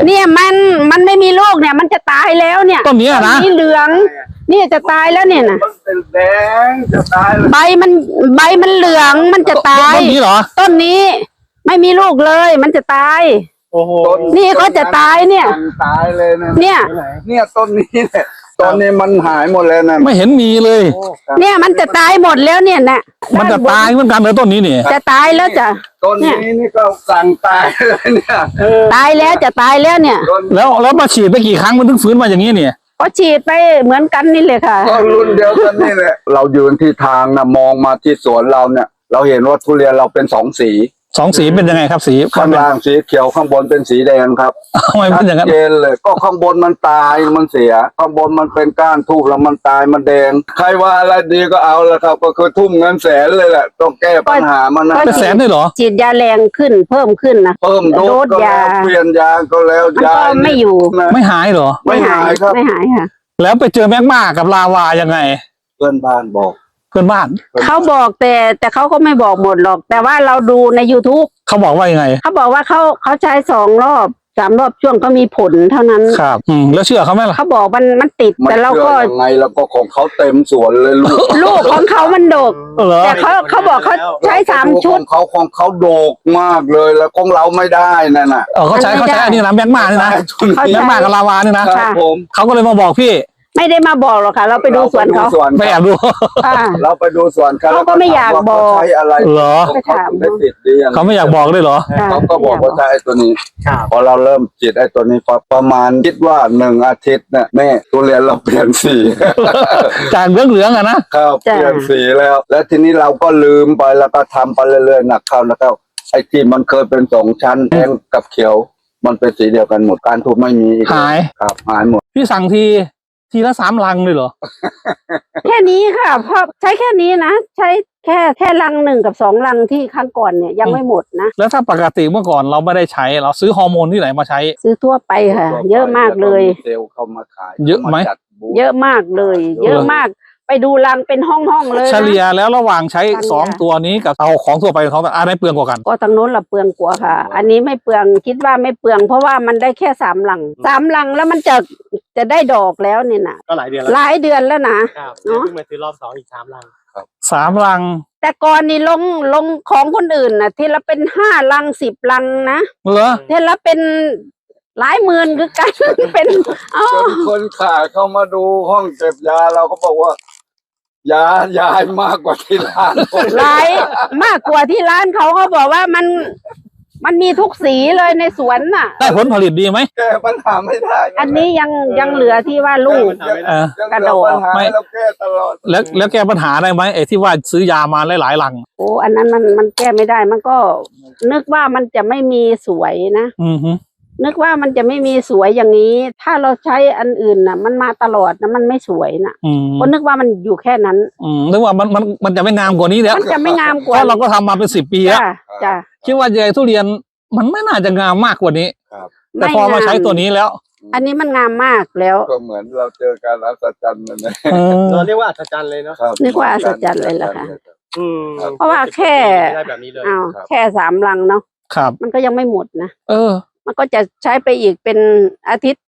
เนี่ยมันไม่มีลูกเนี่ยมันจะตายแล้วเนี่ยต้นนี้นะนี่เหลืองนี่จะตายแล้วเนี่ยนะมันเป็นแดงจะตายใบมันเหลืองมันจะตายต้นนี้เหรอต้นนี้ไม่มีลูกเลยมันจะตายโอ้โหนี่ก็จะตายเนี่ยตายเลยนะเนี่ยต้นนี้เนี่ยตอนนี้มันหายหมดแล้วนะไม่เห็นมีเลยเนี่ยมันจะตายหมดแล้วเนี่ยนะมันจะตายเหมือนกันเลยต้นนี้นี่จะตายแล้วจ้ะต้นนี้นี่ก็สั่งตายเลยเนี่ยตายแล้วจะตายแล้วเนี่ยแล้วมาฉีดไปกี่ครั้งมันถึงฟื้นมาอย่างนี้เนี่ยก็ฉีดไปเหมือนกันนี่เลยค่ะก็รุ่นเดียวกันนี่แหละเรายืนที่ทางนะมองมาที่สวนเราเนี่ยเราเห็นว่าทุเรียนเราเป็น2 สี 2 สีเป็นยังไงครับสีข้างล่างสีเขียวข้างบนเป็นสีแดงครับทำไมเป็นอย่างนั้นเจนเลยก็ข้างบนมันตายมันเสียข้างบนมันเป็นก้านทูบแล้วมันตายมันแดงใครว่าอะไรดีก็เอาละครับก็คือทุ่มเงินแสนเลยแหละต้องแก้ปัญหามันนะเป็นแสนได้เหรอฉีดยาแรงขึ้นเพิ่มขึ้นนะเพิ่มโดสก็แล้วเปลี่ยนยาก็แล้วยาไม่อยู่ไม่หายเหรอไม่หายครับไม่หายค่ะแล้วไปเจอแมกมากับลาวายังไงเพื่อนบ้านบอกเพื่อนบ้านเขาบอกแต่เขาก็ไม่บอกหมดหรอกแต่ว่าเราดูใน YouTube เขาบอกว่ายังไงเขาบอกว่าเขาใช้2 รอบ 3 รอบช่วงก็มีผลเท่านั้นครับแล้วเชื่อเขาไหมล่ะเขาบอกมันติดแต่เราก็ยังไงแล้วก็ของเขาเต็มสวนเลยลูกของเขามันดกแต่เขาบอกเขาใช้3 ชุดของเขาโดกมากเลยแล้วของเราไม่ได้นั่นน่ะเขาใช้อันนี้นะแมกมานี่นะแมกมากับลาวานี่นะเขาก็เลยมาบอกพี่ไม่ได้มาบอกหรอกค่ะเราไปดูสวนเขาไม่อยากดูเราไปดูสวนเขาก็ไม่อยากบอกใช้อะไรเหรอเขาได้ติดดีเขาไม่อยากบอกเลยเหรอเขาก็บอกว่าใช้ไอ้ตัวนี้พอเราเริ่มฉีดไอ้ตัวนี้ประมาณคิดว่า1 อาทิตย์เนี่ยแม่ทุเรียนเราเปลี่ยนสีจากเหลืองนะครับเปลี่ยนสีแล้วทีนี้เราก็ลืมไปแล้วก็ทำไปเรื่อยๆหนักเข้าแล้วก็ไอ้ที่มันเคยเป็น2 ชั้นแดงกับเขียวมันเป็นสีเดียวกันหมดการทูบไม่มีหายครับหายหมดพี่สั่งทีละ3 ลังเลยเหรอแค่นี้ค่ะเพราะใช้แค่นี้นะใช้แค่ลัง1 กับ 2 ลังที่ครั้งก่อนเนี่ยยังไม่หมดนะแล้วถ้าปกติเมื่อก่อนเราไม่ได้ใช้เราซื้อฮอร์โมนที่ไหนมาใช้ซื้อทั่วไปค่ะเยอะมากเลยเซลล์เข้ามาขายเยอะไหมเยอะมากเลยเยอะมากไปดูรังเป็นห้องเลยเฉลี่ยแล้วระหว่างใช้2 ตัวนี้กับเอาของทั่วไปของอะไรเปลืองกว่ากันก็ทางโน้นละเปลืองกว่าค่ะอันนี้ไม่เปลืองคิดว่าไม่เปลืองเพราะว่ามันได้แค่3 ลังแล้วมันจะได้ดอกแล้วเนี่ยนะก็หลายเดือนแล้วนะเนาะเพิ่งมาซื้อรอบ2อีก3 ลังครับ 3 ลังแต่ก่อนนี่ลงของคนอื่นนะทีละเป็น5 ลัง10 ลังนะเหรอทีละเป็นหลายหมื่นคือกันเป็นคนขายเข้ามาดูห้องเก็บยาเราก็บอกว่ายายมากกว่าที่ร้านหลายมากกว่าที่ร้านเขาบอกว่ามันมีทุกสีเลยในสวนน่ะได้ผลผลิตดีไหมแก้ปัญหาไม่ได้อันนี้ยังเหลือที่ว่าลูกกระโดดไม่เราแก้ตลอดแล้วแก้ปัญหาได้ไหมไอ้ที่ว่าซื้อยามาหลายลังโอ้อันนั้นมันแก้ไม่ได้มันก็นึกว่ามันจะไม่มีสวยนะนึกว่ามันจะไม่มีสวยอย่างนี้ถ้าเราใช้อันอื่นน่ะมันมาตลอดนะมันไม่สวยน่ะก็นึกว่ามันอยู่แค่นั้นนึกว่ามันจะไม่งามกว่านี้แล้วมันจะไม่งามกว่าเพราะเราก็ทำมาเป็น10 ปีแล้วจ้ะคิดว่าใยทุเรียนมันไม่น่าจะงามมากกว่านี้แต่พอมาใช้ตัวนี้แล้วอันนี้มันงามมากแล้วก็เหมือนเราเจอการอัศจรรย์เลยเราเรียกว่าอัศจรรย์เลยเนาะเรียกว่าอัศจรรย์เลยเหรอคะเพราะว่าแค่3 ลังเนาะมันก็ยังไม่หมดนะมันก็จะใช้ไปอีกเป็นอาทิตย์